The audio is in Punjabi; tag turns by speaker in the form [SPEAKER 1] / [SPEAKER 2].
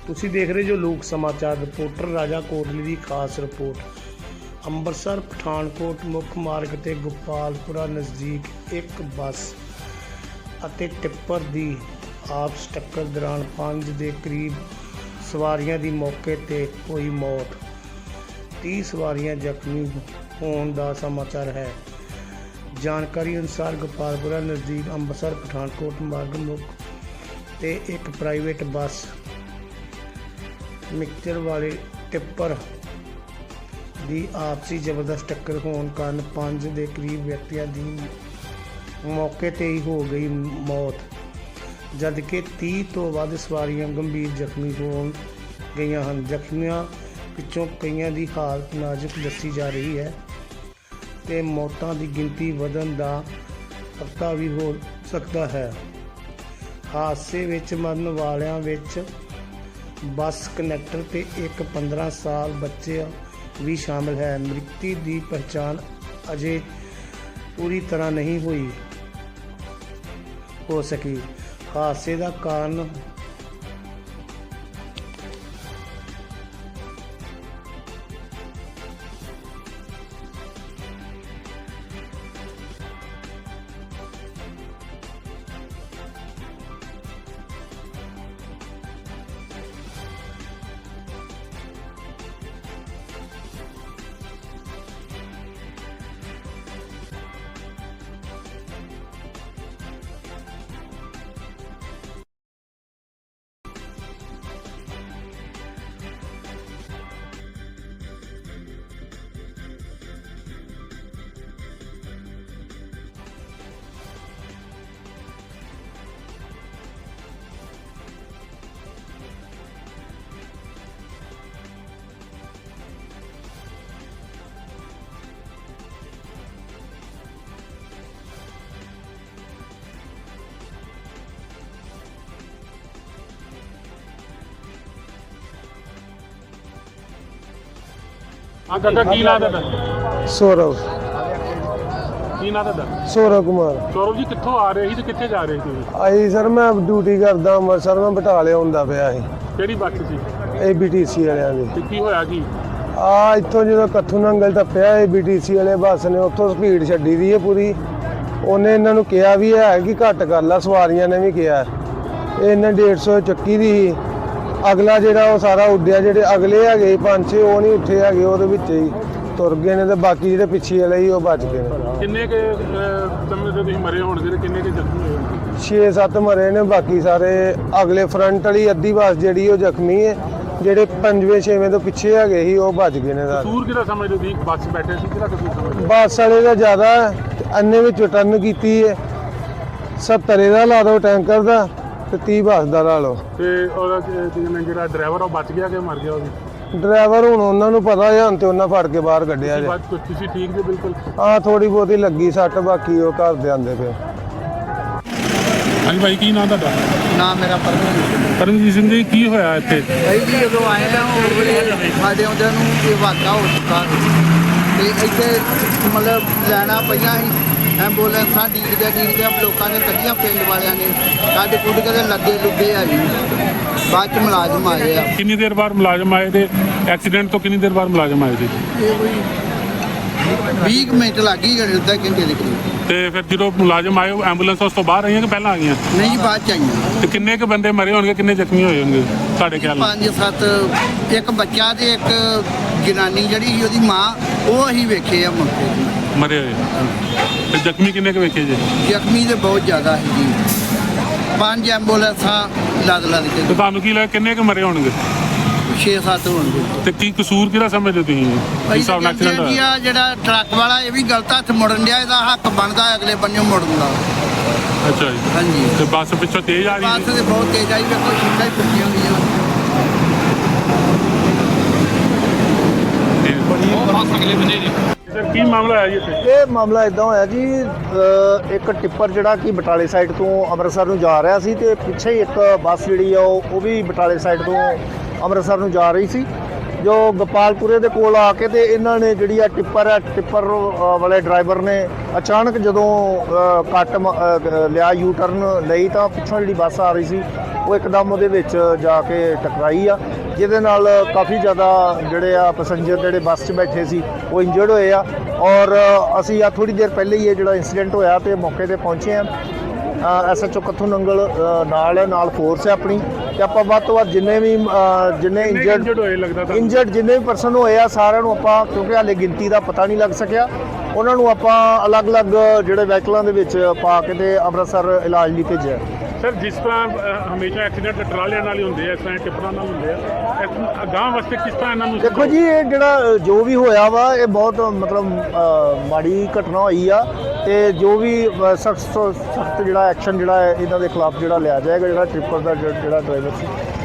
[SPEAKER 1] ਤੁਸੀਂ ਦੇਖ ਰਹੇ ਜੋ ਲੋਕ ਸਮਾਚਾਰ ਰਿਪੋਰਟਰ ਰਾਜਾ ਕੋਟਲੀ ਦੀ ਖਾਸ ਰਿਪੋਰਟ। ਅੰਮ੍ਰਿਤਸਰ ਪਠਾਨਕੋਟ ਮੁੱਖ ਮਾਰਗ ਤੇ ਗੋਪਾਲਪੁਰਾ ਨਜ਼ਦੀਕ ਇੱਕ ਬੱਸ ਅਤੇ ਟਿੱਪਰ ਦੀ ਆਪਸ ਟੱਕਰ ਦੌਰਾਨ 5 ਦੇ ਕਰੀਬ ਸਵਾਰੀਆਂ ਦੀ ਮੌਕੇ ਤੇ ਹੋਈ ਮੌਤ। 30 ਸਵਾਰੀਆਂ ਜ਼ਖਮੀ ਹੋਣ ਦਾ ਸਮਾਚਾਰ ਹੈ। ਜਾਣਕਾਰੀ ਅਨੁਸਾਰ ਗੋਪਾਲਪੁਰਾ ਨਜ਼ਦੀਕ ਅੰਮ੍ਰਿਤਸਰ ਪਠਾਨਕੋਟ ਮਾਰਗ ਮੁੱਖ ਤੇ ਇੱਕ ਪ੍ਰਾਈਵੇਟ ਬੱਸ ਮਿਕਸਚਰ ਵਾਲੇ ਟਿੱਪਰ ਦੀ ਆਪਸੀ ਜ਼ਬਰਦਸਤ ਟੱਕਰ ਹੋਣ ਕਾਰਨ 5 ਦੇ ਕਰੀਬ ਵਿਅਕਤੀਆਂ ਦੀ ਮੌਕੇ ਤੇ ਹੀ ਹੋ ਗਈ ਮੌਤ, ਜਦਕਿ 30 ਤੋਂ ਵੱਧ ਸਵਾਰੀਆਂ ਗੰਭੀਰ ਜ਼ਖਮੀ ਹੋ ਗਈਆਂ ਹਨ। ਜ਼ਖਮੀਆਂ ਵਿੱਚੋਂ ਕਈਆਂ ਦੀ ਹਾਲਤ ਨਾਜ਼ੁਕ ਦੱਸੀ ਜਾ ਰਹੀ ਹੈ ਤੇ ਮੌਤਾਂ ਦੀ ਗਿਣਤੀ ਵਧਣ ਦਾ ਖਤਰਾ ਵੀ ਹੋ ਸਕਦਾ ਹੈ। ਹਾਦਸੇ ਵਿੱਚ ਮਰਨ ਵਾਲਿਆਂ ਵਿੱਚ ਬੱਸ ਕੰਡਕਟਰ ਤੇ ਇੱਕ 15 ਸਾਲ ਬੱਚਾ ਵੀ ਸ਼ਾਮਲ ਹੈ। ਮ੍ਰਿਤਕ ਦੀ ਪਛਾਣ ਅਜੇ ਪੂਰੀ ਤਰ੍ਹਾਂ ਨਹੀਂ ਹੋ ਸਕੀ। ਹਾਦਸੇ ਦਾ ਕਾਰਨ
[SPEAKER 2] हाँ दादा की नाम दादा
[SPEAKER 1] ਸੌਰਵ
[SPEAKER 2] की नाम दादा
[SPEAKER 1] ਸੌਰਵ ਕੁਮਾਰ।
[SPEAKER 2] सौरभ जी कित्थों आ रहे ਸੀ ਤੇ ਕਿੱਥੇ ਜਾ ਰਹੇ ਸੀ?
[SPEAKER 1] ਆਈ ਸਰ ਮੈਂ ਡਿਊਟੀ ਕਰਦਾ ਅੰਮ੍ਰਿਤਸਰ, ਮੈਂ ਬਟਾਲੇ ਹੁੰਦਾ ਪਿਆ ਸੀ
[SPEAKER 2] ਕਿਹੜੀ ਬੱਸ ਸੀ
[SPEAKER 1] ABTC ਵਾਲਿਆਂ ਦੀ।
[SPEAKER 2] ਤੇ ਕੀ ਹੋਇਆ ਕੀ?
[SPEAKER 1] ਇੱਥੋਂ ਜਦੋਂ ਕੱਥੂ ਨੰਗਲ ਟੱਪਿਆ ABTC ਵਾਲੇ ਬੱਸ ਨੇ ਉੱਥੋਂ ਸਪੀਡ ਛੱਡੀ ਦੀ ਹੈ ਪੂਰੀ। ਉਹਨੇ ਇਹਨਾਂ ਨੂੰ ਕਿਹਾ ਵੀ ਹੈ ਕਿ ਘੱਟ ਕਰ ਲਾ, ਸਵਾਰੀਆਂ ਨੇ ਵੀ ਕਿਹਾ। ਇਹਨੇ 150 ਚੱਕੀ ਦੀ ਸੀ। ਅਗਲਾ ਜਿਹੜਾ ਉਹ ਸਾਰਾ ਉੱਡਿਆ, ਜਿਹੜੇ ਅਗਲੇ ਹੈਗੇ 5-6 ਉਹ ਨਹੀਂ ਉੱਠੇ ਹੈਗੇ, ਉਹਦੇ ਵਿੱਚ ਹੀ ਤੁਰ ਗਏ ਨੇ ਤੇ ਬਾਕੀ ਜਿਹੜੇ ਪਿੱਛੇ ਵਾਲੇ ਸੀ ਉਹ ਬਚ ਗਏ ਨੇ।
[SPEAKER 2] ਕਿੰਨੇ ਕੇ ਸਮੇਂ ਤੇ ਤੁਸੀਂ ਮਰੇ ਹੋਣਗੇ ਤੇ ਕਿੰਨੇ ਕੇ ਜ਼ਖਮੀ ਹੋਏ ਹੋਣਗੇ?
[SPEAKER 1] 6-7 ਮਰੇ ਨੇ, ਬਾਕੀ ਸਾਰੇ ਅਗਲੇ ਫਰੰਟ ਵਾਲੀ ਅੱਧੀ ਬੱਸ ਜਿਹੜੀ ਉਹ ਜ਼ਖਮੀ ਹੈ। ਜਿਹੜੇ 5ਵੇਂ-6ਵੇਂ ਤੋਂ ਪਿੱਛੇ ਹੈਗੇ ਸੀ ਉਹ ਬਚ ਗਏ ਨੇ ਸਾਰੇ।
[SPEAKER 2] ਕਸੂਰ ਕਿਹਦਾ ਸਮਝਦੇ ਤੁਸੀਂ? ਬੱਸ ਬੈਠੇ ਸੀ ਕਿਹਦਾ ਕਸੂਰ ਸਮਝਦੇ?
[SPEAKER 1] ਬੱਸ ਵਾਲੇ ਦਾ ਜ਼ਿਆਦਾ ਅੰਨੇ ਵਿੱਚ ਟਰਨ ਕੀਤੀ ਹੈ। 70 ਦਾ ਲਾ ਦਿਓ ਟੈਂਕਰ ਦਾ ਤੇ 30 ਬੱਸ ਦਾ ਲਾ ਲਓ।
[SPEAKER 2] ਤੇ ਉਹਦਾ ਜਿਹੜਾ ਡਰਾਈਵਰ ਉਹ ਬਚ ਗਿਆ ਕਿ ਮਰ ਗਿਆ? ਉਹ ਵੀ
[SPEAKER 1] ਡਰਾਈਵਰ ਹੁਣ ਉਹਨਾਂ ਨੂੰ ਪਤਾ ਹੈ, ਹੁਣ ਤੇ ਉਹਨਾਂ ਫੜ ਕੇ ਬਾਹਰ ਕੱਢਿਆ ਜੇ।
[SPEAKER 2] ਤੁਸੀਂ ਠੀਕ ਜੀ ਬਿਲਕੁਲ?
[SPEAKER 1] ਹਾਂ ਥੋੜੀ ਬਹੁਤੀ ਲੱਗੀ ਸੱਟ, ਬਾਕੀ ਉਹ ਘਰ ਦੇ ਆਂਦੇ ਪਏ।
[SPEAKER 2] ਹਾਂਜੀ ਭਾਈ ਕੀ ਨਾਮ ਤੁਹਾਡਾ?
[SPEAKER 3] ਨਾਮ ਮੇਰਾ
[SPEAKER 2] ਪਰਮਜੀਤ ਸਿੰਘ ਜੀ। ਕੀ ਹੋਇਆ ਇੱਥੇ?
[SPEAKER 3] ਭਾਈ ਜੀ ਜਦੋਂ ਆਏ ਨਾ ਉਹ ਵੇਲੇ ਸਾਡੇ ਆਉਂਦਿਆਂ ਨੂੰ ਇਹ ਵਾਕਾ ਹੋ ਚੁੱਕਾ ਤੇ ਇੱਥੇ ਮਤਲਬ ਲੈਣਾ ਪਈਆਂ ਸੀ। ਐਂਬੂਲੈਂਸਾਂ ਡੀਕਦਿਆਂ ਲੋਕਾਂ ਨੇ ਕੱਢੀਆਂ, ਪਿੰਡ ਵਾਲਿਆਂ ਨੇ ਸਾਡੇ ਕੁੱਟ ਕੇ ਲੱਗੇ ਲੁੱਗੇ ਆ ਜੀ। ਬਾਅਦ ਚ ਮੁਲਾਜ਼ਮ ਆਏ ਆ।
[SPEAKER 2] ਕਿੰਨੀ ਦੇਰ ਬਾਅਦ ਮੁਲਾਜ਼ਮ ਆਏ ਤੇ ਐਕਸੀਡੈਂਟ ਤੋਂ ਕਿੰਨੀ ਦੇਰ ਬਾਅਦ ਮੁਲਾਜ਼ਮ ਆਏ ਸੀ?
[SPEAKER 3] ਇਹ ਕੋਈ 20 ਮਿੰਟ ਲੱਗ ਗਈ ਅੱਧਾ ਘੰਟੇ ਦੇ ਕਰੀਬ।
[SPEAKER 2] ਤੇ ਫਿਰ ਜਦੋਂ ਮੁਲਾਜ਼ਮ ਆਏ ਐਂਬੂਲੈਂਸ ਉਸ ਤੋਂ ਬਾਹਰ ਆਈਆਂ ਕਿ ਪਹਿਲਾਂ ਆ ਗਈਆਂ?
[SPEAKER 3] ਨਹੀਂ ਜੀ ਬਾਅਦ ਚ ਆਈਆਂ।
[SPEAKER 2] ਤੇ ਕਿੰਨੇ ਕੁ ਬੰਦੇ ਮਰੇ ਹੋਣਗੇ, ਕਿੰਨੇ ਜ਼ਖਮੀ ਹੋਏ ਹੋਣਗੇ ਤੁਹਾਡੇ ਖਿਆਲ ਨਾਲ?
[SPEAKER 3] 5-7, ਇੱਕ ਬੱਚਾ ਤੇ ਇੱਕ ਜਨਾਨੀ ਜਿਹੜੀ ਸੀ ਉਹਦੀ ਮਾਂ, ਉਹ ਅਸੀਂ ਵੇਖੇ ਆ ਮੌਕੇ ਤੇ
[SPEAKER 2] ਮਰੇ ਹੋਏ। ਤੇ ਜ਼ਖਮੀ ਕਿੰਨੇ ਕੁ ਵੇਖੇ ਜੀ?
[SPEAKER 3] ਜ਼ਖਮੀ ਤੇ ਬਹੁਤ ਜ਼ਿਆਦਾ ਹੈ ਜੀ। 5 ਐਂਬੂਲੈਂਸਾਂ ਲੱਦ ਕੇ
[SPEAKER 2] ਤੇ ਤੁਹਾਨੂੰ ਕੀ ਲੱਗਦਾ ਕਿੰਨੇ ਕੁ ਮਰੇ ਹੋਣਗੇ?
[SPEAKER 3] 6-7 ਹੋਣਗੇ।
[SPEAKER 2] ਤੇ ਕੀ ਕਸੂਰ ਕਿਹਦਾ ਸਮਝਦੇ ਤੁਸੀਂ ਇਸ ਹਿਸਾਬ ਨਾਲ ਐਕਸੀਡੈਂਟ ਹੋਇਆ?
[SPEAKER 3] ਜਿਹੜਾ ਟਰੱਕ ਵਾਲਾ ਇਹ ਵੀ ਗਲਤ ਹੱਥ ਮੁੜਨ ਡਿਆ, ਇਹਦਾ ਹੱਕ ਬਣਦਾ ਅਗਲੇ ਬੰਨਿਓ ਮੁੜਨ ਦਾ।
[SPEAKER 2] ਅੱਛਾ ਜੀ।
[SPEAKER 3] ਹਾਂਜੀ।
[SPEAKER 2] ਤੇ ਬੱਸ ਪਿੱਛੋਂ ਤੇਜ਼ ਆ ਰਹੀ
[SPEAKER 3] ਬੱਸ ਤੇ ਬਹੁਤ ਤੇਜ਼ ਆਈ, ਵੇਖੋ ਸ਼ੀਟਾਂ ਹੀ ਟੁੱਟੀਆਂ ਹੋਈਆਂ।
[SPEAKER 2] ਸਰ ਕੀ ਮਾਮਲਾ ਹੈ ਜੀ ਇੱਥੇ?
[SPEAKER 4] ਇਹ ਮਾਮਲਾ ਇਦਾਂ ਹੋਇਆ ਜੀ, ਇੱਕ ਟਿੱਪਰ ਜਿਹੜਾ ਕਿ ਬਟਾਲੇ ਸਾਈਡ ਤੋਂ ਅੰਮ੍ਰਿਤਸਰ ਨੂੰ ਜਾ ਰਿਹਾ ਸੀ ਤੇ ਪਿੱਛੇ ਹੀ ਇੱਕ ਬੱਸ ਜਿਹੜੀ ਆ ਉਹ ਵੀ ਬਟਾਲੇ ਸਾਈਡ ਤੋਂ ਅੰਮ੍ਰਿਤਸਰ ਨੂੰ ਜਾ ਰਹੀ ਸੀ। ਜੋ ਗੋਪਾਲਪੁਰੇ ਦੇ ਕੋਲ ਆ ਕੇ ਤੇ ਇਹਨਾਂ ਨੇ ਜਿਹੜੀ ਆ ਟਿੱਪਰ ਵਾਲੇ ਡਰਾਈਵਰ ਨੇ ਅਚਾਨਕ ਜਦੋਂ ਕੱਟ ਲਿਆ, ਯੂ ਟਰਨ ਲਈ, ਤਾਂ ਪਿੱਛੋਂ ਜਿਹੜੀ ਬੱਸ ਆ ਰਹੀ ਸੀ ਉਹ ਇੱਕਦਮ ਉਹਦੇ ਵਿੱਚ ਜਾ ਕੇ ਟਕਰਾਈ ਆ, ਜਿਹਦੇ ਨਾਲ ਕਾਫੀ ਜ਼ਿਆਦਾ ਜਿਹੜੇ ਆ ਪੈਸੇਂਜਰ ਜਿਹੜੇ ਬੱਸ 'ਚ ਬੈਠੇ ਸੀ ਉਹ ਇੰਜਰਡ ਹੋਏ ਆ। ਔਰ ਅਸੀਂ ਆ ਥੋੜ੍ਹੀ ਦੇਰ ਪਹਿਲੇ ਹੀ ਇਹ ਜਿਹੜਾ ਇੰਸੀਡੈਂਟ ਹੋਇਆ ਤੇ ਮੌਕੇ ਤੇ ਪਹੁੰਚੇ ਆ। SHO ਕੱਥੂ ਨੰਗਲ ਨਾਲ ਫੋਰਸ ਹੈ ਆਪਣੀ, ਤੇ ਆਪਾਂ ਵੱਧ ਤੋਂ ਵੱਧ ਜਿੰਨੇ
[SPEAKER 2] ਇੰਜਰਡ ਹੋਏ ਲੱਗਦਾ ਤਾਂ
[SPEAKER 4] ਇੰਜਰਡ ਜਿੰਨੇ ਵੀ ਪਰਸਨ ਹੋਏ ਆ ਸਾਰਿਆਂ ਨੂੰ ਆਪਾਂ, ਕਿਉਂਕਿ ਹਾਲੇ ਗਿਣਤੀ ਦਾ ਪਤਾ ਨਹੀਂ ਲੱਗ ਸਕਿਆ, ਉਹਨਾਂ ਨੂੰ ਆਪਾਂ ਅਲੱਗ-ਅਲੱਗ ਜਿਹੜੇ ਵਹੀਕਲਾਂ ਦੇ ਵਿੱਚ ਪਾ ਕੇ ਤੇ ਅੰਮ੍ਰਿਤਸਰ ਇਲਾਜ ਲਈ ਭੇਜਿਆ।
[SPEAKER 2] ਸਰ ਜਿਸ ਤਰ੍ਹਾਂ ਹਮੇਸ਼ਾ ਐਕਸੀਡੈਂਟ ਟਰਾਲਿਆਂ ਨਾਲ ਹੀ ਹੁੰਦੇ ਆ, ਇਸ ਤਰ੍ਹਾਂ ਟਿੱਪਰਾਂ ਨਾਲ ਹੁੰਦੇ ਆ, ਅਗਾਂਹ ਵਾਸਤੇ ਕਿਸ ਤਰ੍ਹਾਂ ਇਹਨਾਂ ਨੂੰ
[SPEAKER 4] ਦੇਖੋ ਜੀ, ਇਹ ਜਿਹੜਾ ਜੋ ਵੀ ਹੋਇਆ ਵਾ ਇਹ ਬਹੁਤ ਮਤਲਬ ਮਾੜੀ ਘਟਨਾ ਹੋਈ ਆ, ਤੇ ਜੋ ਵੀ ਸਖਤ ਜਿਹੜਾ ਐਕਸ਼ਨ ਜਿਹੜਾ ਹੈ ਇਹਨਾਂ ਦੇ ਖਿਲਾਫ ਜਿਹੜਾ ਲਿਆ ਜਾਏਗਾ, ਜਿਹੜਾ ਟ੍ਰਿਪਰ ਦਾ ਜਿਹੜਾ ਡਰਾਈਵਰ ਸੀ